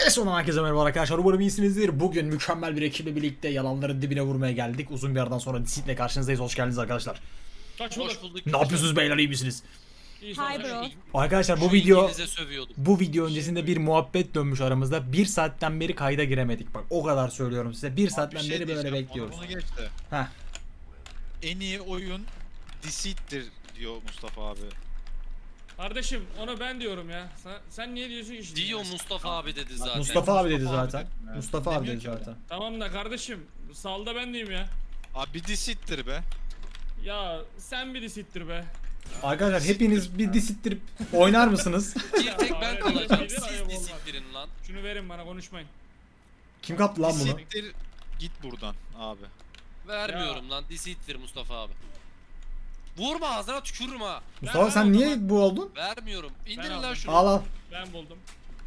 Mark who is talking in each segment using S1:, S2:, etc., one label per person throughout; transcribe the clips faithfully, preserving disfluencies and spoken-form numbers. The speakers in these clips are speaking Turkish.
S1: Sonunda herkese merhaba arkadaşlar, umarım iyisinizdir. Bugün mükemmel bir ekiple birlikte yalanların dibine vurmaya geldik. Uzun bir aradan sonra Disit'le karşınızdayız. Hoş geldiniz arkadaşlar.
S2: Kaç hoş bulduk.
S1: Ne yapıyorsunuz beyler, iyi misiniz?
S2: İyi
S3: Hi bro.
S1: Arkadaşlar bu
S2: Şu
S1: video
S2: İngiliz'e sövüyordum.
S1: bu video öncesinde bir muhabbet dönmüş aramızda. Bir saatten beri kayda giremedik. Bak o kadar söylüyorum size. Bir saatten
S4: Bir şey
S1: beri böyle
S4: diyeceğim,
S1: bekliyoruz.
S4: onu Bunu geçti.
S1: Heh.
S4: En iyi oyun Deceit'tir diyor Mustafa abi.
S2: Kardeşim onu ben diyorum ya. Sen, sen niye diyorsun ki şimdi?
S5: Diyor Mustafa abi dedi zaten.
S1: Mustafa abi dedi
S4: Mustafa abi
S1: zaten.
S4: dedi.
S1: Mustafa abi
S4: Demiyor
S1: dedi
S4: ki öyle.
S1: zaten.
S2: Tamam da kardeşim salda ben diyeyim ya.
S4: Abi Deceit'tir be.
S2: Ya sen bir disittir be.
S1: Arkadaşlar hepiniz bir disittirip oynar mısınız?
S5: Bir tek ben
S2: Hayır,
S5: kalacağım.
S2: hayır, hayır,
S5: Siz
S2: olmaz.
S5: disiptirin lan.
S2: Şunu verin bana, konuşmayın.
S1: Kim kaptı lan bunu?
S4: Deceit'tir, git buradan abi.
S5: Vermiyorum lan. Disiptir Mustafa abi. Vurma, ağzına tükürürüm ha.
S1: Mustafa
S2: Ben-
S1: sen
S2: ben o
S1: niye
S2: zaman-
S1: bu oldun?
S5: Vermiyorum. İndirin
S2: Ben
S5: lan
S2: aldım.
S5: şunu.
S1: Al al.
S2: Ben buldum.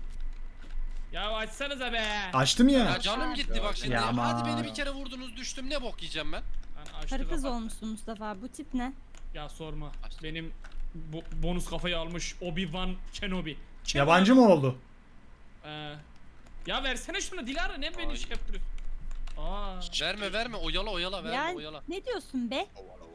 S2: Ya açsanıza be.
S1: Açtım ya.
S5: Ya canım gitti bak şimdi.
S1: Ya
S5: Hadi
S1: aman.
S5: beni bir kere vurdunuz düştüm. Ne bok yiyeceğim ben?
S2: Ben açtı
S3: Karı kız
S2: kapattı.
S3: olmuşsun Mustafa abi. Bu tip ne?
S2: Ya sorma.
S5: Açtı.
S2: Benim bu, bonus kafayı almış Obi-Wan Kenobi. Kenobi.
S1: Yabancı mı oldu?
S2: Ee, ya versene şunu Dilara, ne beni
S5: Ay.
S2: şey yaptırıyorsun? Aa.
S5: Verme verme. Oyala oyala verme
S3: Ya
S5: oyala.
S3: ne diyorsun be?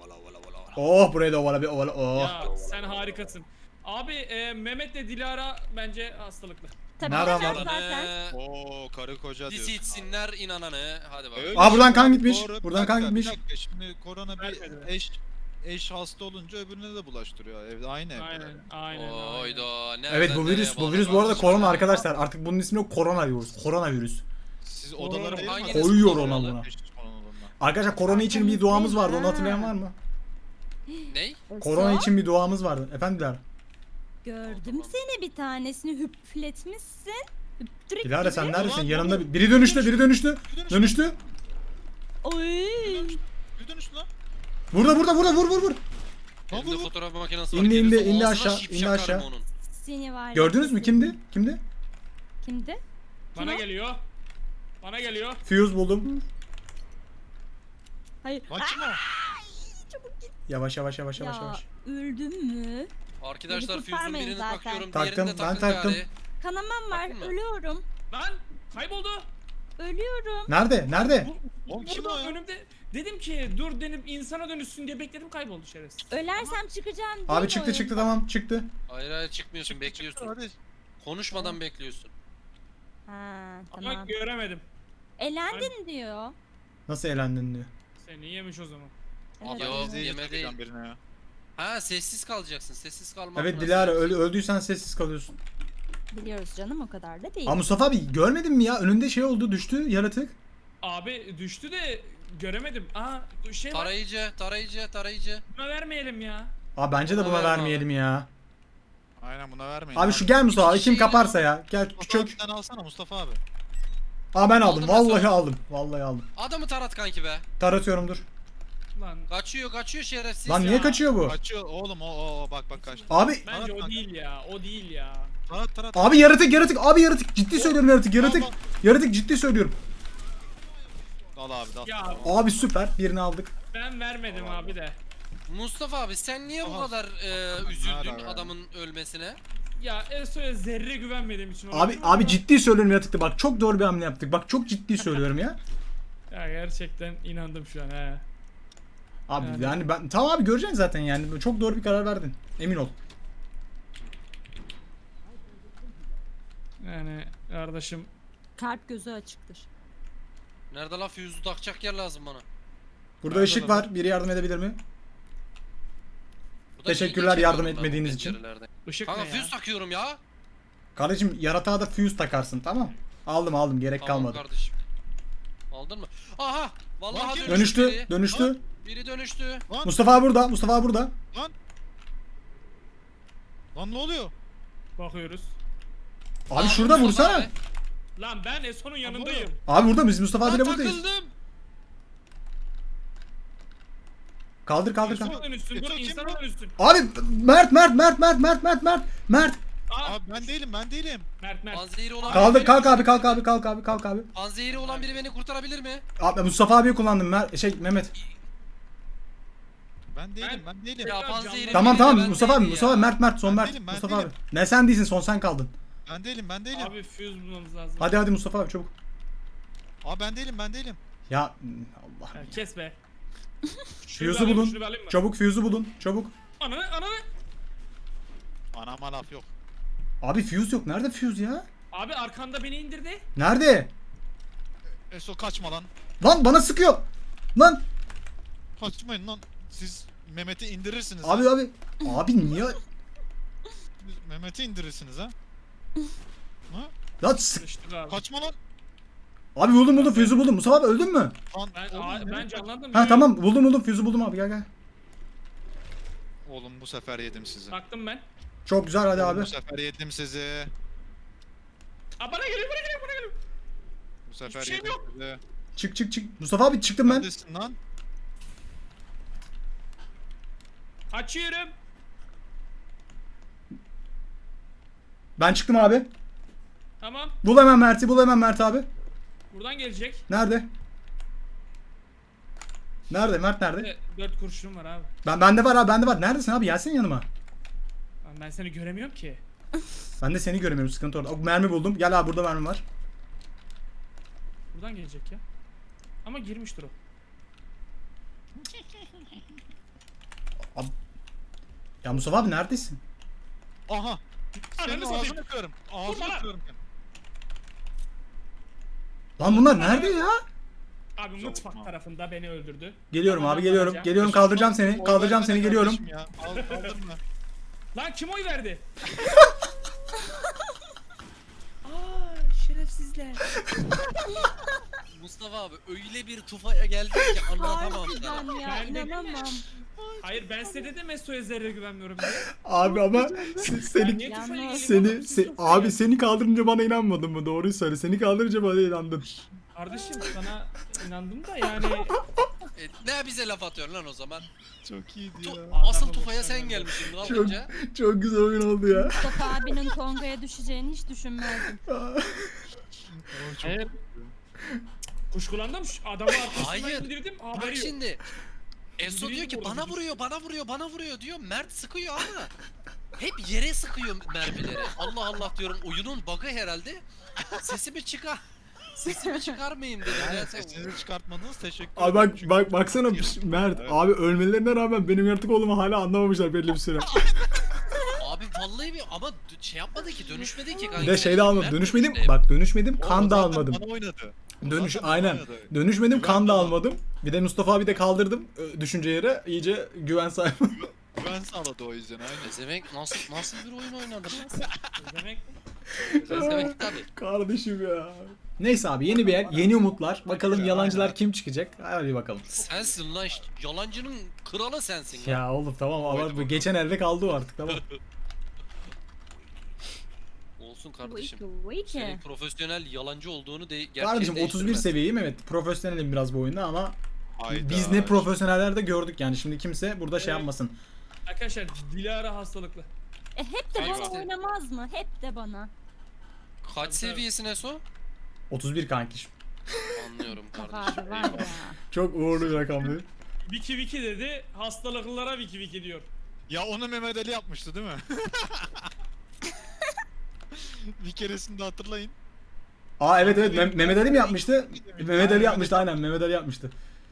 S1: Oh buraya da ovala bir ovala. Oh.
S2: Ya sen harikasın. Abi e, Mehmet'le Dilara bence hastalıklı.
S3: Tabii
S1: Nereden
S3: sen
S1: var?
S3: zaten.
S5: Ee,
S4: Oo karı koca diyorsun.
S5: Disitsinler inananı. Hadi bakalım.
S4: Öyle
S1: Aa, buradan
S4: şey
S1: kan
S4: abi,
S1: gitmiş.
S4: doğru. Bir
S1: Buradan kan
S4: dakika, bir
S1: gitmiş.
S4: dakika. Şimdi korona bir
S2: Vermedi.
S4: eş eş hasta olunca öbürüne de bulaştırıyor. Evde aynı evde.
S2: Aynen, aynen. aynen.
S5: Oyda.
S1: Evet bu virüs bu virüs bu arada korona arkadaşlar. Artık bunun ismini koronavirüs. Koronavirüs.
S4: Siz odalara değil mi?
S5: Hanginiz
S1: Koyuyor
S5: koronalı?
S1: ona buna.
S4: Eş koronalarına.
S1: Arkadaşlar korona için bir duamız vardı. Onu hatırlayan var mı?
S5: Ney?
S1: Korona için bir duamız vardı. Efendiler.
S3: Gördüm seni, bir tanesini hüpletmişsin. Hüptürük
S1: Dilara sen
S3: gibi.
S1: neredesin?
S4: Ulan,
S1: Yanımda
S4: oğlum.
S1: bir- biri dönüştü, biri dönüştü.
S4: Bir dönüş-
S1: Dönüştü.
S3: Oy.
S4: Bir dönüş lan.
S1: Burada burada burada vur vur vur.
S4: Lan
S5: Elimde
S4: vur, vur.
S5: fotoğraf makinesi var.
S1: İndi, indi,
S5: Gelirse
S1: indi
S5: ağzına
S1: aşağı,
S5: şip
S1: indi
S5: şakarım
S1: aşağı.
S5: onun.
S3: Seni var ya.
S1: Gördünüz mü kimdi? Kimdi?
S3: Kimdi?
S2: Bana
S3: Kim o?
S2: geliyor. Bana geliyor.
S1: Fuse buldum.
S3: Hayır.
S4: Lan kim o?
S1: Yavaş yavaş yavaş yavaş
S3: Ya
S1: yavaş.
S3: öldüm mü?
S5: Arkadaşlar
S3: Beni
S5: Fuse'un
S3: kurtarmayın
S5: birini
S3: zaten.
S5: takıyorum.
S1: Taktım,
S5: Diğerini de
S1: ben
S5: takın
S1: taktım.
S5: gari.
S3: Kanamam var.
S5: Bakın mı?
S3: Ölüyorum.
S2: Lan kayboldu.
S3: Ölüyorum.
S1: Nerede? Nerede?
S4: Oğlum kim o
S2: Burada
S4: ya?
S2: önümde. Dedim ki dur denip insana dönüşsün diye bekledim, kayboldu şerefsiz.
S3: Ölersem çıkacağım. değil
S1: Abi
S3: mi
S1: çıktı
S3: oyun?
S1: çıktı tamam çıktı.
S5: Hayır hayır çıkmıyorsun bekliyorsun.
S4: Hadi.
S5: Konuşmadan bekliyorsun.
S3: Ha
S2: Ama
S3: tamam.
S2: göremedim.
S3: Elendin diyor.
S1: Nasıl elendin diyor.
S2: Seni yemiş o zaman.
S3: Evet.
S5: Yo,
S4: Bizi
S5: yeme
S4: takacağım
S5: değil.
S4: birine ya.
S5: Ha sessiz kalacaksın. Sessiz kalmak.
S1: Evet
S5: nasıl?
S1: Dilara öl öldüysen sessiz kalıyorsun.
S3: Biliyoruz canım, o kadar da değil.
S1: Aa Mustafa abi görmedin mi ya? Önünde şey oldu düştü yaratık.
S2: Abi düştü de göremedim. Aa şey var.
S5: Tarayıcı, tarayıcı, tarayıcı.
S2: Buna vermeyelim ya.
S1: Aa bence de
S5: Buna
S1: buna
S5: verme
S1: vermeyelim ya.
S4: Aynen buna vermeyin.
S1: Abi şu gel Mustafa abi
S5: İki
S1: kim
S5: şey
S1: kaparsa ya. Gel
S4: Mustafa abi
S1: çök.
S4: sen alsana Mustafa abi.
S1: Aa ben aldım.
S5: Aldım
S1: Vallahi
S5: Mustafa.
S1: aldım. Vallahi aldım.
S5: Adamı tarat kanki be.
S1: Taratıyorum dur.
S2: Lan
S5: Kaçıyor, kaçıyor şerefsiz.
S1: Lan
S5: ya.
S1: niye kaçıyor bu?
S4: Kaçıyor oğlum o o o bak bak kaçtı.
S1: Abi
S2: bence o
S4: Tarat-
S2: değil ya. O değil ya.
S4: Tarat tarat.
S1: abi yaratık yaratık abi yaratık ciddi söylüyorum yaratık yaratık.
S4: Al, al.
S1: Yaratık ciddi söylüyorum.
S4: Al abi dal.
S2: Ya
S1: Abi süper birini aldık.
S2: ben vermedim
S4: Allah
S2: abi de.
S5: Mustafa abi sen niye bu
S4: Aha.
S5: kadar e, üzüldün
S4: Nerede?
S5: adamın ölmesine?
S2: Ya Eso'ya zerre güvenmediğim için
S1: Abi
S2: olabilir
S1: abi
S2: ama-
S1: ciddi söylüyorum yaratıkta bak çok doğru bir hamle yaptık. Bak çok ciddi söylüyorum ya.
S2: Ya gerçekten inandım şu an he.
S1: Abi
S2: Yani.
S1: yani ben tamam abi göreceksin zaten yani çok doğru bir karar verdin. Emin ol.
S2: Yani kardeşim
S3: Kalp gözü açıktır.
S5: Nerede la füzü takacak yer lazım bana.
S1: Burada
S4: Nerede
S1: ışık
S4: lan?
S1: var. Biri yardım edebilir mi?
S5: Bu da
S1: Teşekkürler
S5: ilginç
S1: yardım
S5: yapıyorum ben bu
S1: etmediğiniz için.
S5: pencerelerde.
S2: ışık
S5: Kanka
S2: ne ya?
S5: füz takıyorum ya.
S1: Kardeşim yaratığa da fuse takarsın tamam. Aldım aldım gerek
S5: Tamam
S1: kalmadı.
S5: kardeşim. Aldın mı? Aha! Vallahi
S4: Lan
S5: dönüştü.
S1: Dönüştü
S5: Biri.
S1: dönüştü.
S5: Biri dönüştü.
S4: Lan
S1: Mustafa abi burada. Mustafa abi burada.
S4: lan ne oluyor?
S2: Bakıyoruz.
S1: Abi
S5: Aa,
S1: şurada
S5: Mustafa
S1: vursana.
S5: abi.
S2: Lan ben Eso'nun yanındayım.
S1: Abi burada biz Mustafa
S5: Lan
S1: abiyle buradayız.
S5: takıldım.
S1: Kaldır kaldır kaldır.
S2: İnsana dönüşsün,
S4: Eto
S2: dur
S4: kim
S2: insana
S4: bu?
S2: dönüşsün.
S1: Abi Mert Mert Mert Mert Mert Mert Mert Mert.
S2: Aa,
S4: Abi ben değilim ben değilim.
S2: Mert Mert.
S5: Panzehiri olan
S1: Kaldır
S5: biri
S1: kalk
S5: beni-
S1: abi kalk abi kalk abi kalk abi.
S5: Panzehiri olan biri beni kurtarabilir mi?
S1: Abi Mustafa abiyi kullandım Mert şey Mehmet.
S4: Ben değilim ben değilim.
S5: Ya
S2: Tekrar
S5: panzehiri
S2: canlı-
S1: Tamam
S5: biri de
S1: tamam
S5: ben
S1: Mustafa abi
S5: değilim
S1: Mustafa
S5: ya.
S1: Mert Mert son
S4: Ben
S1: Mert
S4: değilim, ben
S1: Mustafa abi.
S4: değilim.
S1: Ne sen değilsin son sen kaldın.
S4: Ben değilim ben değilim. Abi,
S2: Abi fuse bulmamız lazım.
S1: Hadi hadi Mustafa abi çabuk.
S4: ben değilim ben değilim.
S1: Ya Allah.
S2: Ya, kes be.
S1: Fuse'u
S2: alayım,
S1: bulun.
S2: şunu bir alayım mı?
S1: Çabuk fuse'u bulun. Çabuk.
S2: Ananı ananı.
S4: Anama laf yok.
S1: Abi fuse yok. Nerede fuse ya?
S2: Abi arkanda beni indirdi.
S1: Nerede?
S4: Eso kaçma lan.
S1: Lan bana sıkıyor. Lan.
S4: Kaçmayın lan. Siz Mehmet'i indirirsiniz.
S1: Abi abi. Abi niye?
S4: Mehmet'i indirirsiniz ha. Ha?
S1: Lan sık.
S2: Sıçtık abi.
S4: Kaçma lan.
S1: Abi buldum buldum fuse'u buldum. Mustafa abi öldün mü?
S4: Lan
S2: Ben,
S4: oğlum,
S2: aa, ben
S4: Mehmet-
S2: canlandım.
S1: Ha
S2: ya.
S1: tamam buldum buldum fuse'u buldum abi gel gel.
S4: Oğlum bu sefer yedim sizi.
S2: Taktım ben.
S1: Çok güzel hadi
S4: Oğlum,
S1: abi.
S4: Bu sefer yedim sizi.
S2: Aa bana geliyor bana geliyor bana geliyor.
S4: Bu sefer
S2: Hiçbir şeyim
S4: yedim
S2: yok.
S4: sizi.
S1: Çık çık çık. Mustafa abi çıktım ben.
S4: Neredesin lan?
S2: Açıyorum.
S1: Ben çıktım abi.
S2: Tamam.
S1: Bul hemen Mert'i bul hemen Mert abi.
S2: Buradan gelecek.
S1: Nerede? Nerede? Mert nerede?
S2: Evet, dört kurşunum var abi.
S1: Ben bende var abi bende var. Neredesin abi? Gelsene yanıma.
S2: Lan ben seni göremiyorum ki.
S1: Ben de seni göremiyorum sıkıntı orada. O, mermi buldum. Gel abi burada mermi var.
S2: Buradan gelecek ya. Ama girmiştir o.
S1: Ya Mustafa abi neredesin?
S4: Aha. Senin
S2: Ananı satayım.
S4: ağzını kırarım.
S2: Vurma
S4: Ağzını
S2: lan.
S4: kırarım.
S1: Lan bunlar nerede ya?
S2: Abi
S4: Çok
S2: mutfak
S4: mal.
S2: tarafında beni öldürdü.
S1: Geliyorum
S2: Bana
S1: abi geliyorum.
S2: alacağım.
S1: Geliyorum kaldıracağım seni.
S4: Oy
S1: Kaldıracağım
S4: vermene
S1: seni geliyorum.
S4: kardeşim ya. Al kaldırma.
S2: Lan kim oy verdi? Aa şerefsizler.
S5: Mustafa abi öyle bir tufaya geldik ki anlatamam sana.
S3: Harbiden ya
S2: Ben de-
S3: inanamam.
S2: Hayır ben size dedim Meso'ya zerre güvenmiyorum diye.
S1: Abi ama se-
S2: Ben
S1: seni
S2: niye tufaya
S3: Yalnız-
S2: geleyim
S1: seni
S2: oğlum? Siz
S1: se-
S2: tufaya
S1: abi
S2: gelin.
S1: seni kaldırınca bana inanmadın mı? Doğruyu söyle. Seni kaldırınca bana inandın.
S2: Kardeşim sana inandım da yani.
S5: E, ne bize laf atıyorsun lan o zaman?
S4: Çok iyiydi
S5: Tu-
S4: ya.
S5: Asıl
S2: Adamı
S5: tufaya
S2: boşver
S5: sen
S2: ben.
S5: gelmişsin
S1: Çok
S5: kalkınca.
S1: çok güzel oyun oldu ya.
S3: Mustafa abinin Konga'ya düşeceğini hiç düşünmezdim.
S4: Oo, çok
S2: Hayır. Kuşkulandım şu adamı arkasından
S5: Hayır.
S2: indirdim.
S5: Bak
S2: Haberi yok.
S5: şimdi. Eso
S2: Biri
S5: diyor ki
S2: vurdu,
S5: bana
S2: biri-
S5: vuruyor, bana vuruyor, bana vuruyor diyor. Mert sıkıyor ama hep yere sıkıyor mermileri. Allah Allah diyorum oyunun bug'ı herhalde. Sesimi çıkar. Sesimi çıkarmayayım dedim.
S4: Yani
S5: Ya sen-
S4: sesinizi çıkartmadınız teşekkür
S1: Abi
S4: ederim.
S1: bak
S4: Çünkü-
S1: bak baksana Mert.
S4: Evet.
S1: Abi ölmelerine rağmen benim yaratık olduğumu hala anlamamışlar belli bir süre.
S5: Abi vallahi bir ama d- şey yapmadı ki dönüşmedi ki kanka.
S1: Bir de şey de almadım.
S5: Mert
S1: Dönüşmedim.
S5: dönüştü.
S1: Bak dönüşmedim.
S4: O
S1: Kan da
S4: zaten
S1: almadım.
S4: Bana oynadı. O
S1: Dönüş
S4: zaten bana
S1: aynen.
S4: oynadı.
S1: Dönüşmedim.
S4: Güven
S1: Kan da
S4: bana.
S1: almadım. Bir de Mustafa abi de kaldırdım ö, düşünce yere. İyice güven sahibi.
S4: Güven sağladı o yüzden aynen.
S5: Ezemek nasıl nasıl bir oyun oynadı lan?
S2: Demek
S5: Ezemek tabii.
S1: Kardeşim ya. Neyse abi yeni bir yer, yeni umutlar. Bakalım yalancılar kim çıkacak? Hadi bakalım.
S5: Sensin lan işte. Yalancının kralı sensin ya.
S1: Ya oğlum tamam ama bu geçen elde kaldı o artık tamam.
S5: Olsun
S3: Bu
S5: kardeşim.
S3: iki, bu iki.
S5: Senin profesyonel yalancı olduğunu de gerçeği
S1: Kardeşim otuz bir
S5: değiştirmez.
S1: seviyeyim evet. Profesyonelim biraz bu oyunda ama
S4: Hayda.
S1: biz ne profesyoneller de gördük yani. Şimdi kimse burada şey
S2: Evet.
S1: yapmasın.
S2: Arkadaşlar Dilara hastalıklı.
S3: E hep de bana
S5: Eyvah.
S3: oynamaz mı? Hep de bana.
S5: Kaç
S2: Tabii, tabii.
S5: seviyesine so?
S1: otuz bir kanki.
S5: Anlıyorum
S3: Mustafa
S5: kardeşim.
S3: abi var ya.
S1: Çok uğurlu bir rakam değil.
S2: Viki Viki dedi. Hastalıklılara Viki Viki diyor.
S4: Ya onu Mehmet Ali yapmıştı değil mi? Bir keresinde hatırlayın.
S1: Aa evet evet Meh- Mehmet Ali mi yapmıştı? Mehmet Ali yapmıştı aynen Mehmet Ali yapmıştı.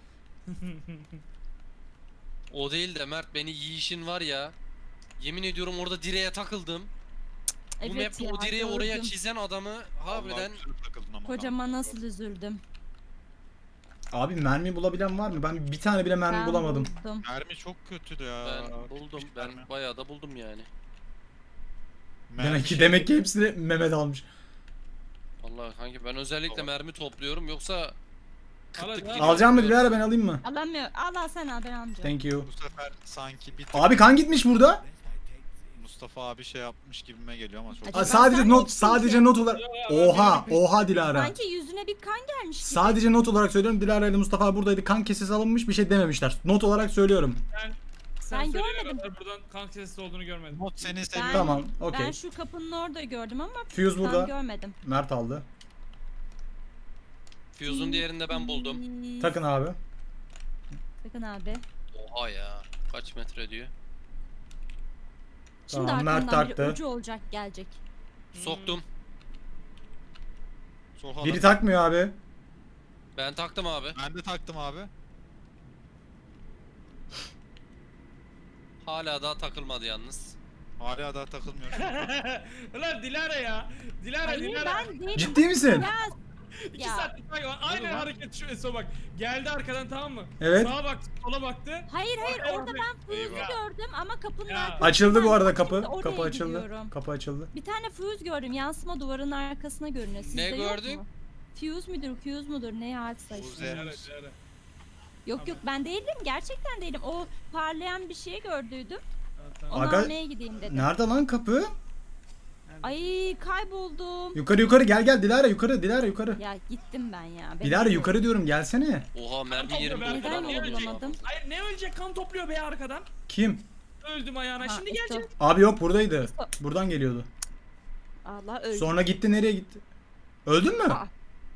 S5: O değil de Mert beni yiyişin var ya. Yemin ediyorum orada direğe takıldım. Bu
S3: Evet
S5: map'te
S3: ya.
S5: o direği oraya
S3: gördüm.
S5: çizen adamı harbiden
S4: Vallahi güzel takıldın ama.
S3: Kocama nasıl üzüldüm.
S1: Abi mermi bulabilen var mı? Ben bir tane bile mermi
S3: Ben
S1: bulamadım.
S3: buldum.
S4: Mermi çok kötüydü ya.
S5: ben buldum.
S4: Hiçbir
S5: Ben
S4: mermi.
S5: bayağı da buldum yani.
S4: Mermi
S1: Demek ki
S4: şey-
S1: demek ki hepsini Mehmet almış.
S5: Vallahi kanki ben özellikle
S4: Tamam.
S5: mermi topluyorum yoksa
S2: Al,
S5: kıtlık
S2: al.
S5: gibi.
S1: Alacağım mı Dilara ben alayım mı?
S3: Alamıyor. al al sen al ben almayacağım.
S1: Thank you.
S4: Bu sefer sanki bir tık
S1: Abi kan gitmiş burada.
S4: Mustafa abi şey yapmış gibime geliyor ama çok.
S3: Acaba
S1: Aa,
S3: sen
S1: sadece
S3: mi
S1: not
S3: gittin
S1: sadece
S3: ki?
S1: not olarak.
S2: Ya, ya, ben
S1: Oha
S2: benim-
S1: oha Dilara.
S3: Sanki yüzüne bir kan gelmiş gibi.
S1: Sadece not olarak söylüyorum. Dilara ile Mustafa buradaydı. Kan kesesi alınmış bir şey dememişler. Not olarak söylüyorum.
S2: Ben, sen
S3: Ben
S2: söyleyene
S3: görmedim.
S2: kadar buradan kan kesesi olduğunu görmedim.
S4: Not seni
S3: Ben-
S4: seviyor.
S1: Tamam
S3: Ben
S1: okey.
S3: şu kapının orada gördüm ama
S1: Fuse
S3: kan
S1: burada.
S3: görmedim.
S1: Mert aldı.
S5: Fuse'un diğerini de ben buldum.
S3: Hmm,
S1: Takın abi.
S3: Takın abi.
S5: Oha ya. Kaç metre diyor?
S3: Şimdi
S1: Tamam, Mert
S3: arkamdan biri
S1: taktı.
S3: ucu olacak gelecek.
S5: Soktum.
S4: Sokalım.
S1: Biri takmıyor abi.
S5: Ben taktım abi.
S4: Ben de taktım abi.
S5: Hala daha takılmadı yalnız.
S4: Hala daha takılmıyor.
S2: Ulan Dilara ya. Dilara
S3: Hayır
S2: Dilara.
S3: ben değilim.
S1: Ciddi misin?
S3: Ya
S2: İki
S3: Ya.
S2: saattir takip Aynen hareket şu Eso bak. Geldi arkadan tamam mı?
S1: Evet.
S2: Sağa baktı, sola baktı.
S3: hayır hayır
S2: Arkaya
S3: orada
S2: bakıyor.
S3: ben fuse'u
S2: Eyvah.
S3: gördüm ama kapının
S2: Ya.
S3: arkasında.
S1: Açıldı bu arada kapı.
S3: Şimdi oraya
S1: Kapı açıldı.
S3: gidiyorum.
S1: Kapı açıldı.
S3: Bir tane fuse gördüm. Yansıma duvarın arkasına görünüyor. Sizde
S5: Ne
S3: yok
S5: gördün?
S3: mu? Fuse müdür, fuse mudur? Ne artık
S4: Fuse.
S3: işte.
S2: Dilara Dilara.
S3: Yok yok ben değilim. Gerçekten değilim. O parlayan bir şey gördüydüm.
S2: Tamam, tamam.
S3: Onu
S1: Aga-
S3: almaya gideyim dedim.
S1: Nerede lan kapı?
S3: Ay kayboldum.
S1: Yukarı yukarı gel gel Dilara yukarı Dilara yukarı.
S3: Ya gittim ben ya. Ben
S1: Dilara
S3: öyle-
S1: yukarı diyorum gelsene.
S5: Oha mermi
S2: Tamam,
S5: yerim.
S2: ben-
S3: Neden
S2: Niye ölecek?
S3: bulamadım?
S2: Hayır ne ölecek kan topluyor be arkadan.
S1: Kim?
S2: Öldüm ayağına.
S3: Ha,
S2: Şimdi
S3: Eso.
S2: gelecek.
S1: Abi yok buradaydı.
S3: Eso.
S1: Buradan geliyordu.
S3: Allah öldü.
S1: Sonra gitti nereye gitti? Öldün mü?
S3: Aa.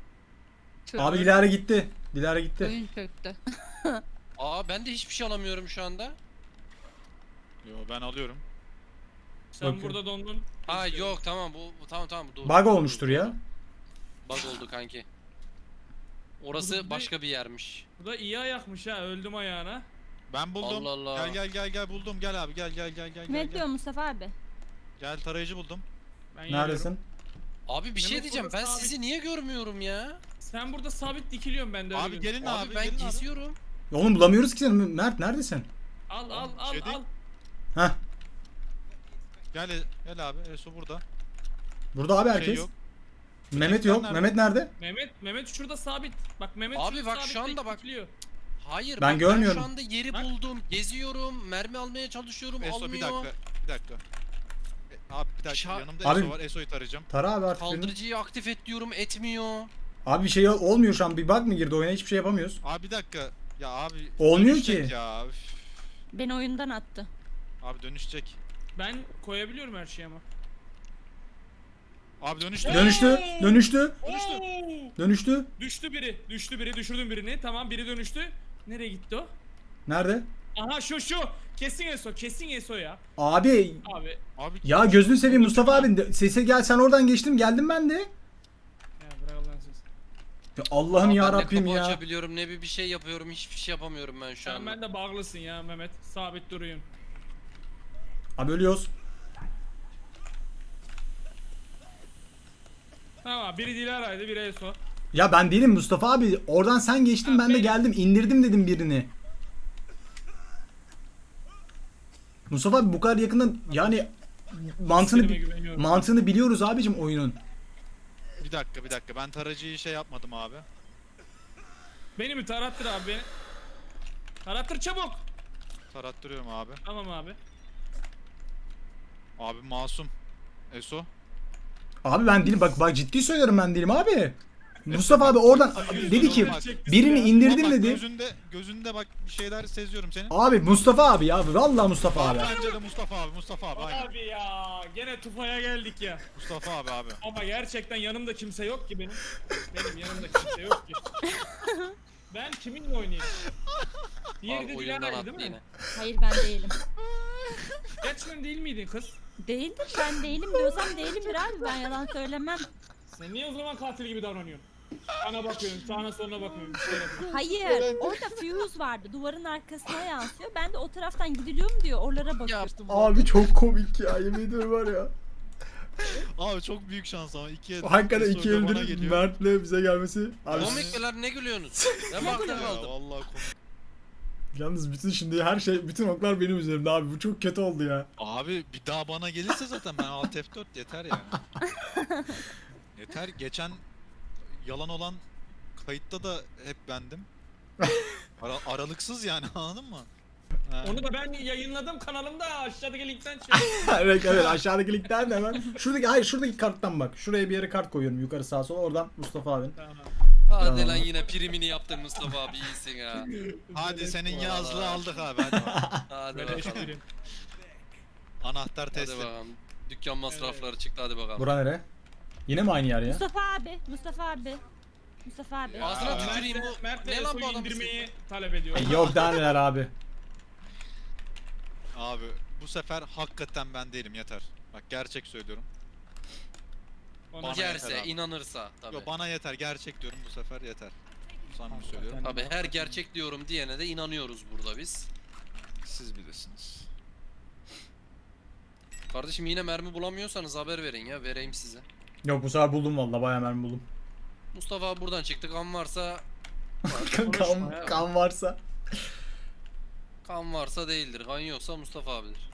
S1: Abi Dilara gitti. Dilara gitti.
S3: Oyun çöktü.
S5: Aa ben de hiçbir şey alamıyorum şu anda.
S4: Yo ben alıyorum.
S2: Sen
S1: Bakın.
S2: burada dondun.
S5: Ha yok tamam bu, bu tamam tamam. Dur,
S1: Bug
S5: dur,
S1: olmuştur
S5: dur,
S1: ya.
S5: dur. Bug oldu kanki. Orası
S2: Burada-
S5: başka bir yermiş.
S2: Bu da iyi ayakmış ha. Öldüm ayağına.
S4: Ben buldum.
S5: Allah Allah.
S4: Gel gel gel gel buldum. Gel abi gel gel gel gel
S3: Ne
S4: gel.
S3: diyor
S4: Gel,
S3: Mustafa abi?
S4: gel tarayıcı buldum.
S2: Ben geliyorum.
S1: Neredesin?
S5: Abi bir şey
S2: Demek
S5: diyeceğim
S2: burada
S5: ben
S2: sabit-
S5: sizi niye görmüyorum ya?
S2: Sen burada sabit dikiliyorsun ben de öyle
S4: Abi
S2: görüyorum.
S4: gelin
S5: Abi,
S4: abi,
S5: ben
S4: gelin abi.
S5: geziyorum.
S1: Oğlum bulamıyoruz ki seni. Mert neredesin?
S2: Al al al
S4: Şey değil.
S2: al.
S1: Heh.
S4: Gel gel abi. Eso burada.
S1: Burada abi
S4: Şey
S1: herkes.
S4: yok.
S1: Mehmet yok.
S4: Nerede?
S1: Mehmet nerede?
S2: Mehmet Mehmet şurada sabit. Bak Mehmet
S5: Abi
S2: şurada
S5: bak
S2: sabit
S5: şu anda
S2: tek
S5: bak.
S2: dikiliyor.
S5: Hayır
S1: Ben
S5: bak,
S1: görmüyorum.
S5: Ben şu anda yeri
S2: Bak.
S5: buldum. Geziyorum. Mermi almaya çalışıyorum.
S4: Eso
S5: almıyor.
S4: bir dakika. Bir dakika. E, Abi bir dakika.
S5: Şa-
S4: Yanımda
S1: Abi-
S4: Eso var. Eso'yu tarayacağım.
S1: Tara abi artık birini.
S5: Kaldırıcıyı aktif et diyorum etmiyor.
S1: Abi bir şey olmuyor şu an. Bir bug mı girdi oyuna? Hiçbir şey yapamıyoruz.
S4: Abi bir dakika. Ya abi.
S1: Olmuyor
S4: dönüşecek
S1: ki.
S4: Ya. Üf.
S3: Beni oyundan attı.
S4: Abi dönüşecek.
S2: Ben koyabiliyorum her şeyi ama.
S4: Abi dönüştü.
S1: Dönüştü. Dönüştü.
S2: Dönüştü.
S1: Dönüştü.
S2: Düştü biri. Düştü biri. Düşürdüm birini. Tamam biri dönüştü. Nereye gitti o?
S1: Nerede?
S2: Aha şu şu. Kesin Eso. Kesin Eso ya.
S1: Abi
S2: Abi.
S4: Abi
S1: ya gözünü seveyim Mustafa abi. Sese gel sen oradan geçtim geldim ben de.
S2: Ya bırak Allah'ın sözü.
S1: Ya Allah'ım
S5: Abi
S1: ya
S5: ben ne
S1: Rabbim
S5: kapı
S1: ya.
S5: açabiliyorum ne bir bir şey yapıyorum. Hiçbir şey yapamıyorum ben şu
S2: Sen
S5: an.
S2: ben de bağlısın ya Mehmet. Sabit duruyorsun.
S1: Abi ölüyoruz.
S2: Tamam biri Dilara'ydı biri Eso.
S1: Ya ben değilim Mustafa abi. Oradan sen geçtin
S2: Ha,
S1: ben de
S2: benim.
S1: geldim. İndirdim dedim birini. Mustafa abi bu kadar yakından yani mantığını
S2: Hislerime güveniyorum.
S1: mantığını biliyoruz abicim oyunun.
S4: bir dakika bir dakika. Ben tarayıcıyı şey yapmadım abi.
S2: Beni mi tarattır abi beni? Tarattır çabuk.
S4: Tarattırıyorum abi.
S2: Tamam abi.
S4: Abi masum. Eso.
S1: Abi ben değilim bak bak ciddi söylüyorum ben değilim abi. Mustafa abi oradan dedi ki birini indirdim
S4: Bak,
S1: dedi.
S4: Gözünde gözünde bak bir şeyler seziyorum senin.
S1: Abi Mustafa abi ya vallahi Mustafa abi.
S4: Bence de Mustafa abi. Mustafa abi aynen.
S2: Abi ya gene tufaya geldik ya.
S4: Mustafa abi abi.
S2: Ama gerçekten yanımda kimse yok ki benim. Benim yanımda kimse yok ki. Ben kiminle oynayayım? Diğeri
S5: Abi
S2: de
S5: oyundan
S2: Dilara'ydı
S5: attı
S2: değil mi?
S5: yine.
S3: Hayır ben değilim.
S2: Gerçekten değil miydin kız?
S3: Değildim ben değilim diyorsam değilimdir abi ben yalan söylemem.
S2: Sen niye o zaman katil gibi davranıyorsun? Bana bakıyorsun, sağına soluna bakmıyorsun, bir şey yapıyorsun.
S3: Hayır orada fuse vardı duvarın arkasına yansıyor. Ben de o taraftan gidiliyorum diyor oralara bakıyorum.
S1: Abi çok komik ya yemin ediyorum var ya.
S4: Abi çok büyük şans ama iki el.
S1: Hakikaten iki
S4: Eso bana
S1: eldir
S4: geliyor.
S1: Mert'le bize gelmesi. Abi
S5: Komik miler ne gülüyorsunuz? Ben bakta
S4: Ya,
S5: kaldım.
S4: vallahi komik.
S1: yalnız bütün şimdi her şey bütün oklar benim üzerimde abi bu çok kötü oldu ya.
S4: Abi bir daha bana gelirse zaten ben Alt F dört yeter yani. Yeter. Geçen yalan olan kayıtta da hep bendim. Ara- aralıksız yani anladın mı? He.
S2: Onu da ben yayınladım kanalımda aşağıdaki linkten şey.
S1: evet evet aşağıdaki linkten de hemen. Şuradaki hayır şuradaki karttan bak. Şuraya bir yere kart koyuyorum yukarı sağa sola oradan Mustafa abinin.
S2: Tamam.
S5: Hadi
S1: Tamam.
S5: lan yine primini yaptın Mustafa abi iyisin ha.
S4: Hadi senin
S5: Vallahi.
S4: yazlığı aldık abi hadi bakalım.
S5: Hadi
S2: Böyle
S5: bakalım.
S2: espri.
S4: Anahtar
S5: Hadi
S4: teslim.
S5: bakalım. Dükkan masrafları çıktı hadi bakalım.
S1: Bura nere? Yine mi aynı yer ya?
S3: Mustafa abi Mustafa abi. Mustafa abi.
S4: Ya.
S5: Ağzına
S4: Aa.
S5: tüküreyim
S2: Mert,
S5: bu.
S2: Mert
S5: Ne lan bu
S2: Eso'yu
S5: adam?
S2: indirmeyi talep ediyor.
S1: E, Yok daha neler abi.
S4: Abi bu sefer hakikaten ben değilim yeter. Bak gerçek söylüyorum.
S2: Ona
S4: Bana
S5: Yerse,
S4: yeter abi.
S5: inanırsa tabii.
S4: Yo bana yeter, gerçek diyorum bu sefer yeter. Samimi söylüyorum.
S5: Tabii her gerçek diyorum diyene de inanıyoruz burada biz.
S4: Siz bilirsiniz.
S5: Kardeşim yine mermi bulamıyorsanız haber verin ya, vereyim size.
S1: Yok bu sefer buldum valla, bayağı mermi buldum.
S5: Mustafa abi buradan çıktı, kan varsa
S1: kan,
S5: ya.
S1: kan varsa.
S5: kan varsa değildir, kan yoksa Mustafa abidir.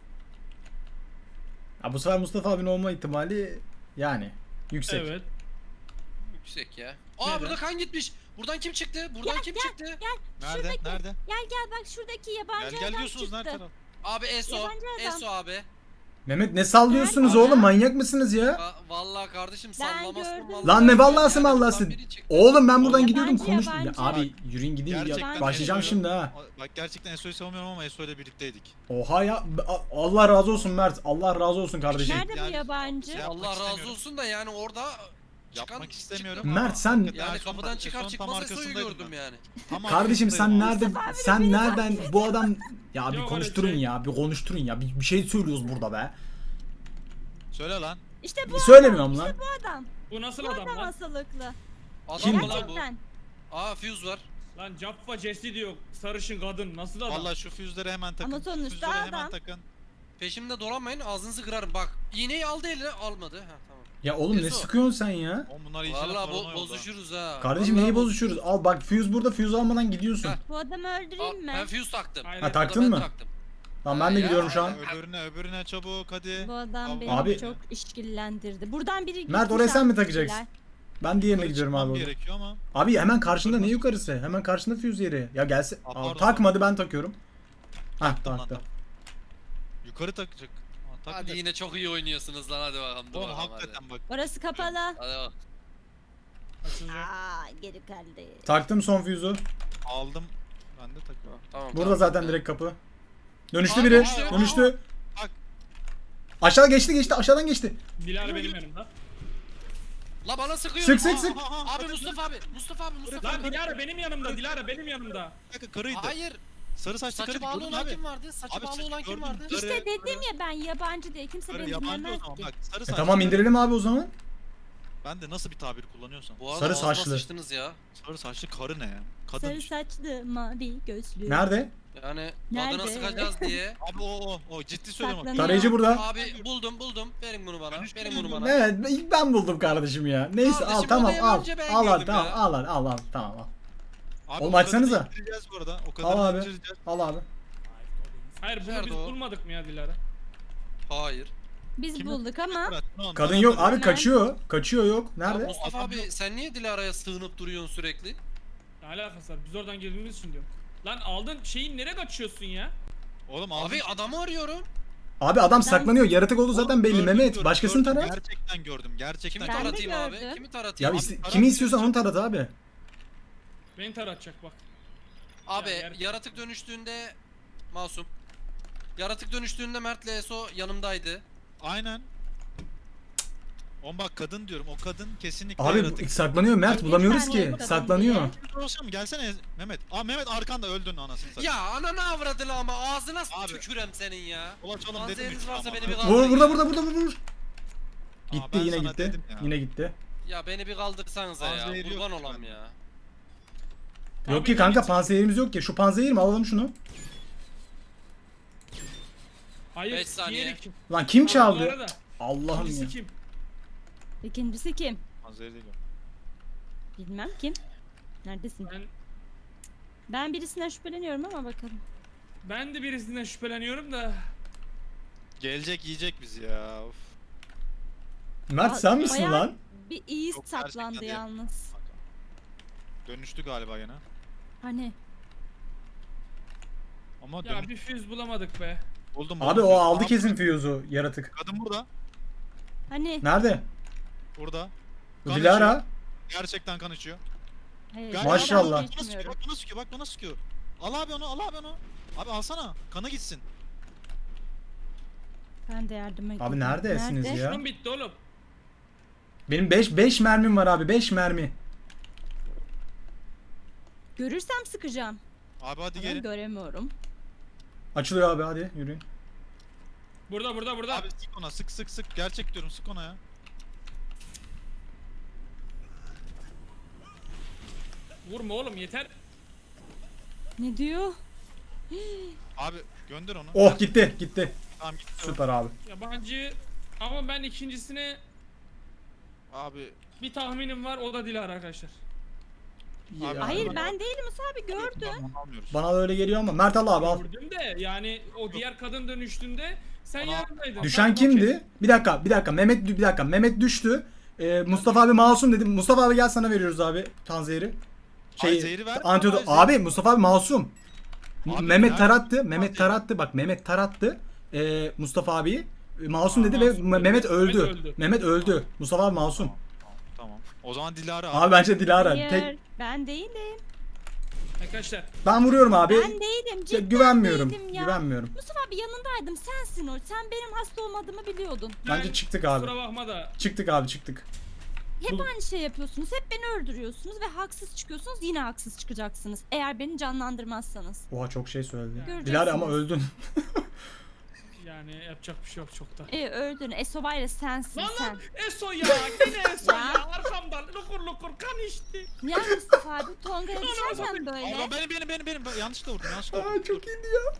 S1: Ya bu sefer Mustafa abinin olma ihtimali yani yüksek.
S2: Evet.
S5: Yüksek ya. Aa
S2: Neden?
S5: burada kan gitmiş. Buradan kim çıktı? Buradan kim çıktı?
S4: Nerede?
S3: Şuradaki-
S4: Nerede?
S3: Gel gel bak şuradaki yabancı
S4: Gel gel
S3: adam
S4: diyorsunuz
S3: çıktı.
S4: nerede taraf?
S5: Abi Eso.
S3: Yabancı adam.
S5: Eso abi.
S1: Mehmet ne sallıyorsunuz
S3: Ben-
S1: oğlum, manyak mısınız ya?
S5: Va- vallahi kardeşim
S3: Ben
S5: sallamasın
S3: gördüm.
S5: vallahi.
S1: Lan ne vallahsı
S5: Yani buradan
S1: mallahsı.
S5: biri çıktı.
S1: Oğlum ben buradan
S3: Yabancı,
S1: gidiyordum konuş. Ya
S3: yabancı.
S1: abi yürüyün gidin ya.
S3: Gerçekten
S1: Başlayacağım
S4: Eso'yu-
S1: şimdi ha.
S4: Bak gerçekten Eso'yu savunmuyorum ama Eso ile birlikteydik.
S1: Oha ya, Allah razı olsun Mert. Allah razı olsun kardeşim.
S3: Nerede bu
S4: Yani-
S3: yabancı?
S4: Ya-
S5: Allah razı
S4: istemiyorum.
S5: olsun da yani orada çıkan
S4: Yapmak istemiyorum.
S5: çıktı.
S1: Mert sen
S5: Yani
S4: Eson-
S5: kapıdan çıkar
S4: Eson tam
S5: çıkmaz Eso'yu
S4: arkasındaydım
S5: gördüm
S4: ben.
S5: yani.
S4: Tam
S1: kardeşim sen
S4: arkasındaydım.
S1: nerede sen nereden bu adam ya bir
S2: Yok
S1: konuşturun
S2: öyle şey.
S1: ya, bir konuşturun ya. Bir, bir şey söylüyoruz burada be.
S4: Söyle lan.
S3: İşte bu
S1: Söylemiyorum
S3: adam.
S1: lan.
S3: İşte bu adam.
S2: Bu nasıl
S3: Bu
S2: adam
S3: adam
S2: lan?
S3: hastalıklı.
S5: Adam
S1: Kim?
S5: mı lan bu?
S3: Gerçekten.
S5: Aa fuse var.
S2: Lan Jaffa Jesse diyor. Sarışın kadın. Nasıl adam?
S4: Vallahi şu füzleri hemen takın.
S3: Ama sonuçta
S4: Füzleri hemen
S3: adam.
S4: takın.
S5: Peşimde dolanmayın, ağzınızı kırarım. Bak iğneyi aldı eline, almadı. Ha tamam.
S1: Ya oğlum ne
S5: Eso.
S1: sıkıyorsun sen ya?
S4: Oğlum bunlar iyice
S5: Vallahi
S4: paranoya
S5: bo-
S4: oldu ha.
S5: bozuşuruz ha.
S1: Kardeşim
S5: Vallahi
S1: neyi
S5: boz-
S1: bozuşuyoruz? Al bak fuse burada, fuse almadan gidiyorsun.
S5: Ha.
S3: Bu adamı
S5: Aa,
S3: öldüreyim mi?
S5: ben fuse taktım.
S2: Aynen.
S1: Ha
S5: Bu da
S1: taktın
S5: ben
S1: mı?
S5: taktım.
S1: Tamam ben de
S5: Ya,
S1: gidiyorum şu an.
S4: Öbürüne öbürüne çabuk hadi.
S3: Bu adam
S4: Abi-
S3: beni
S1: Abi-
S3: çok işkillendirdi. Buradan biri
S1: Mert,
S3: gitmiş
S1: oraya sen mi
S3: almışlar.
S1: takacaksın? Ben diğerine
S4: Yukarı
S1: gidiyorum
S4: çıkmam
S1: abi orada.
S4: gerekiyor ama.
S1: Abi hemen karşında, ne yukarısı? Hemen karşında fuse yeri. Ya gelse.
S4: Aa,
S1: Aa,
S4: pardon.
S1: takmadı, ben takıyorum. Hah
S4: Tamam,
S1: taktı.
S4: tamam. Yukarı takacak. Aa,
S5: Hadi
S4: takacak.
S5: yine çok iyi oynuyorsunuz lan, hadi bakalım. dur
S4: Oğlum
S5: bakalım,
S4: hakikaten bak.
S3: Orası kapalı.
S5: Hadi. Hadi bak.
S2: Açılacak.
S3: Aa geri kaldı.
S1: Taktım son fuse'u.
S4: Aldım. Ben de takıyorum.
S5: Tamam,
S1: Burada
S5: tamam.
S1: zaten direkt kapı. Dönüştü
S5: Abi,
S1: biri.
S5: işte,
S1: Dönüştü.
S4: Bak.
S1: Aşağı geçti geçti, aşağıdan geçti.
S2: Dilara benim yanımda.
S5: La bana sıkıyor.
S1: Sık sık
S5: Aa,
S1: sık.
S5: Abi Mustafa abi. Mustafa abi. Mustafa
S2: Lan
S5: abi.
S2: Dilara benim yanımda. Dilara benim yanımda.
S4: Bir dakika karıydı.
S5: Hayır.
S4: Sarı saçlı
S5: Saçı
S4: karıydı.
S5: bağlı
S4: Gördün
S5: olan
S4: abi.
S5: kim vardı? Saçı
S4: Abi,
S5: bağlı
S4: saçı
S5: olan kim
S4: gördüm.
S5: vardı?
S4: Karı-
S3: İşte dedim ya ben yabancı değil. Kimse
S4: Karı
S3: beni
S4: yabancı o
S3: dinlemez
S4: zaman.
S3: ki.
S4: Bak sarı
S1: E
S4: saçlı.
S1: tamam
S4: karı.
S1: indirelim abi o zaman.
S4: Ben de nasıl bir tabir kullanıyorsam.
S5: Bu arada
S1: Sarı
S5: ağzıma
S1: saçlı.
S5: sıçtınız ya.
S4: Sarı saçlı karı ne ya? Kadın.
S3: Sarı saçlı mavi gözlü.
S1: Nerede?
S5: Yani
S3: Nerede?
S5: adına sıkacağız diye.
S4: Abi o o o ciddi söylüyorum. bak.
S3: Saklanıyor.
S1: Tarayıcı burada.
S5: Abi buldum buldum. Verin bunu bana.
S4: Dönüştü
S5: Verin bunu bana.
S1: Evet ilk ben buldum kardeşim ya. Neyse
S5: Kardeşim,
S1: al tamam
S5: odaya
S1: al.
S5: önce ben
S1: Al al
S5: girdim
S1: tamam
S5: ya.
S1: al al al al tamam al.
S4: Abi,
S1: Oğlum
S4: o
S1: açsanıza.
S4: kadarını indireceğiz bu arada. O
S1: Al
S4: kadarını
S1: abi.
S4: indireceğiz.
S1: Al abi.
S2: Hayır bunu
S5: Nerede
S2: biz
S5: o?
S2: bulmadık mı ya Dilara?
S5: Hayır.
S3: Biz
S4: Kimi-
S3: bulduk ama
S4: Bırak, bunu
S1: Kadın
S4: bana
S1: yok
S4: bırak.
S1: abi, kaçıyor. Kaçıyor yok.
S5: Ya
S1: Nerede?
S5: Mustafa
S4: Adam
S5: abi
S4: yok.
S5: sen niye Dilara'ya sığınıp duruyorsun sürekli?
S2: Ne alakası var? Biz oradan girdiğimiz için diyorum. Lan aldın şeyin nereye kaçıyorsun ya?
S4: Oğlum aldım.
S5: Abi adamı arıyorum.
S1: Abi adam
S3: Ben-
S1: saklanıyor. Yaratık oldu zaten belli
S4: Gördüm,
S1: Mehmet.
S4: gördüm,
S1: Başkasını
S4: gördüm.
S1: tara.
S4: Gerçekten gördüm. Gerçekten
S5: Kimi
S3: Ben de
S5: taratayım abi?
S3: gördüm.
S5: Kimi
S1: Ya
S5: taratayım?
S1: iste-
S4: Abi,
S1: kimi
S4: tarat
S1: istiyorsan onu
S4: diyorsun.
S1: tarat abi.
S2: Beni taratacak bak.
S5: Abi
S2: Ya, yer-
S5: yaratık dönüştüğünde masum. Yaratık dönüştüğünde Mert'le Eso yanımdaydı.
S4: Aynen. Oğlum bak kadın diyorum. O kadın kesinlikle
S1: Abi
S4: yaratık.
S1: saklanıyor Mert,
S3: Ay, bir
S1: bulamıyoruz
S3: tane
S1: ki.
S3: kadın
S1: Saklanıyor.
S3: diye.
S4: Olsam gelsene Mehmet. Aa Mehmet arkanda öldün anasını satayım.
S5: Ya ananı avradını ama ağzına
S4: Abi.
S5: tükürem senin ya.
S4: Ulaş oğlum dedim.
S5: Manzeriniz
S4: hiç
S5: varsa
S4: ama-
S5: beni bir
S1: Vur
S5: kaldırın
S1: burada
S5: ya.
S1: burada burada vur.
S4: Aa,
S1: Gitti
S4: ben
S1: yine
S4: sana
S1: gitti.
S4: dedim ya.
S1: Yine gitti.
S5: Ya beni bir kaldırsanıza ya.
S4: Manzeri yok
S5: Kurban
S4: ki
S5: olam
S4: bende.
S5: ya.
S1: Yok
S2: Abi,
S1: ki kanka,
S2: Mehmet-
S1: panzehirimiz yok ki. Şu panzehir mi? Alalım şunu.
S2: Hayır.
S5: Beş saniye.
S2: diğeri kim?
S1: Lan kim
S2: Bu
S1: çaldı?
S2: arada,
S1: Allah'ım
S2: birisi
S1: ya.
S2: kim?
S3: ikincisi kim?
S4: Manzeri değil o.
S3: Bilmem kim. Neredesin?
S2: Ben
S3: Ben birisinden şüpheleniyorum ama bakalım.
S2: ben de birisinden şüpheleniyorum da.
S4: Gelecek yiyecek bizi ya. Of.
S1: Mert sen misin
S3: Bayağı
S1: lan?
S3: Bir iyi
S4: Yok, gerçekten
S3: saklandı
S4: değil.
S3: yalnız.
S4: Dönüştü galiba gene.
S3: Hani
S4: Ama
S2: Ya
S4: dönüş...
S2: bir füz bulamadık be.
S4: buldum.
S1: Abi
S4: buldum.
S1: o aldı
S4: Aa,
S1: kesin fuse'u yaratık.
S4: Kadın burada.
S3: hani
S1: Nerede?
S4: Burada.
S1: Bu
S4: Kan
S1: Dilara.
S4: Gerçekten kan içiyor.
S3: hayır,
S4: Gel,
S1: Maşallah.
S4: Bak bana sıkıyor, bak bana sıkıyor, bak bana sıkıyor. Al abi onu, al abi onu. Abi alsana, kanı gitsin.
S3: Ben de yardım edeyim.
S1: Abi neredesiniz
S3: Nerede?
S1: ya?
S2: Şunun bitti oğlum.
S1: Benim beş beş mermim var abi, beş mermi.
S3: Görürsem sıkacağım.
S4: Abi hadi
S3: Ama
S4: gelin.
S3: göremiyorum.
S1: Açılıyor abi, hadi yürüyün.
S2: Burada burada burada.
S4: Abi sık ona, sık sık sık. Gerçek diyorum, sık ona ya.
S2: Vurma oğlum yeter.
S3: Ne diyor?
S4: Abi gönder onu.
S1: Oh gitti gitti.
S4: Tamam gitti. o.
S1: Süper abi.
S2: Yabancı ama ben ikincisine
S4: Abi
S2: bir tahminim var, o da Dilara arkadaşlar.
S4: Abi,
S1: Ya.
S3: Hayır
S4: bana-
S3: ben değilim Musa abi gördün.
S4: Tamam, almıyoruz.
S1: Bana da öyle geliyor ama Mert al abi al.
S2: Gördüm de yani o diğer kadın dönüştüğünde sen
S4: Bana-
S2: yanındaydın.
S1: Düşen
S2: Tamam, okey.
S1: kimdi? Bir dakika bir dakika Mehmet bir dakika Mehmet düştü. Ee, Mustafa abi masum dedi. Mustafa abi gel sana veriyoruz abi Tanzehir'i.
S4: Ay, zehri ver.
S1: Antiyodot.
S4: Ay,
S1: Abi Mustafa abi masum.
S4: Abi,
S1: Mehmet
S4: ya-
S1: tarattı. Mehmet
S4: Abi.
S1: tarattı. Bak Mehmet tarattı. Ee, Mustafa abiyi. E, Masum
S2: Aa,
S1: dedi ve
S2: masum
S1: Me-
S2: dedi.
S1: Mehmet
S2: Mehmet
S1: öldü.
S2: öldü.
S1: Mehmet öldü. Mustafa abi masum.
S4: Tamam, tamam. O zaman Dilara
S1: Abi bence Dilara.
S3: Hayır
S1: Tek
S3: ben değilim.
S2: Arkadaşlar
S1: ben vuruyorum abi.
S3: Ben değilim
S1: Ya,
S3: cidden
S1: güvenmiyorum.
S3: değilim ya.
S1: Güvenmiyorum.
S3: Mustafa abi yanındaydım sensin o. Sen benim hasta olmadığımı biliyordun.
S1: Bence
S2: ben-
S1: çıktık abi.
S2: kusura bakma da
S1: Çıktık abi çıktık.
S3: Hep
S1: Bu-
S3: aynı şey yapıyorsunuz. Hep beni öldürüyorsunuz ve haksız çıkıyorsunuz. Yine haksız çıkacaksınız. Eğer beni canlandırmazsanız.
S1: Oha çok şey söyledi.
S3: Göreceksiniz.
S1: Dilara ama öldün.
S2: yani yapacak bir şey yok çok da.
S3: E öldün. Eso var ya sensin
S2: Lan
S3: sen.
S2: lan Eso ya yine Eso
S3: Ya.
S2: ya arkamdan lukur lukur kan içti.
S3: Ya Mustafa abi Tonga'ya düşerken
S4: Abi
S3: böyle.
S4: benim benim benim benim ben yanlışlıkla vurdum yanlışlıkla vurdum.
S1: Aa çok iyiydi ya.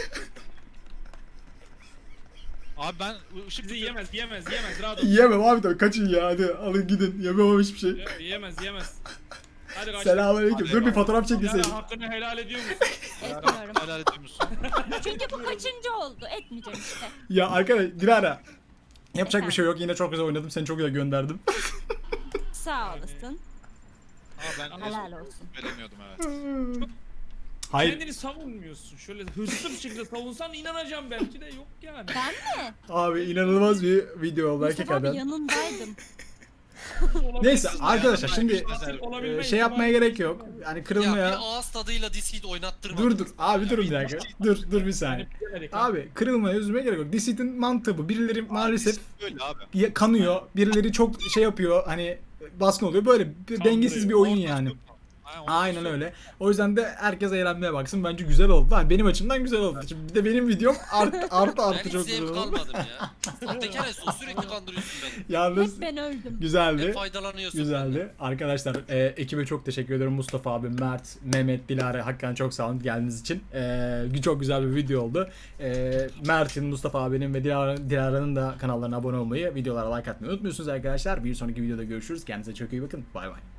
S4: Abi ben ışık
S2: Bizi yiyemez yiyemez yiyemez rahat ol.
S1: Yiyemem abi de kaçın ya hadi alın gidin. Yemem hiçbir şey.
S2: Ye- Yiyemez yiyemez. Hadi kaç.
S1: Selamünaleyküm.
S4: Hadi
S1: Dur bir
S4: eyvallah.
S1: fotoğraf çekilseydim.
S2: Dilara hakkını helal ediyor musun?
S3: Etmiyorum.
S4: helal ediyor musun?
S3: Çünkü bu kaçıncı oldu. Etmeyeceğim işte.
S1: Ya arkadaş Dilara. Yapacak bir
S3: Efendim?
S1: şey yok. Yine çok güzel oynadım. Seni çok güzel gönderdim.
S3: Sağ olasın.
S4: Aa ben
S3: Helal olsun.
S4: veremiyordum evet.
S1: Hayır.
S2: Kendini savunmuyorsun. Şöyle hırslı bir şekilde savunsan inanacağım belki de yok yani.
S3: Ben mi?
S1: Abi inanılmaz bir video oldu
S3: Mustafa abi
S1: hakikaten.
S3: yanındaydım.
S1: Neyse
S2: Olabilirsin
S1: arkadaşlar
S2: ya.
S1: şimdi
S2: Katil olabilme
S1: e, şey
S2: ihtimali-
S1: yapmaya gerek yok. Yani
S5: Ya
S1: kırılmaya...
S5: bir ağız tadıyla Discord oynattırma.
S1: Dur dur abi durun bir dakika. Dur dur bir saniye.
S2: Yani bilemedik ha.
S1: Abi kırılmaya üzülmeye gerek yok. Deceit mantığı bu. Birileri maalesef
S4: Böyle abi.
S1: ya- kanıyor. Birileri çok şey yapıyor hani baskın oluyor. Böyle bir dengesiz bir oyun yani. Aynen öyle. O yüzden de herkes eğlenmeye baksın. Bence güzel oldu. Yani benim açımdan güzel oldu. Şimdi bir de benim videom art, artı
S5: Ben
S1: artı
S5: hiç
S1: çok güzel
S5: zevk
S1: oldu.
S5: almadım ya. Sahtekar Eso sürekli kandırıyorsun beni.
S1: Yalnız
S3: Hep ben öldüm.
S1: güzeldi.
S5: Hep faydalanıyorsun.
S1: Güzeldi. Arkadaşlar e, ekibe çok teşekkür ediyorum. Mustafa abi, Mert, Mehmet, Dilara hakikaten çok sağ olun geldiğiniz için. E, çok güzel bir video oldu. E, Mert'in, Mustafa abinin ve Dilara, Dilara'nın da kanallarına abone olmayı, videolara like atmayı unutmuyorsunuz arkadaşlar. Bir sonraki videoda görüşürüz. Kendinize çok iyi bakın. Bay bay.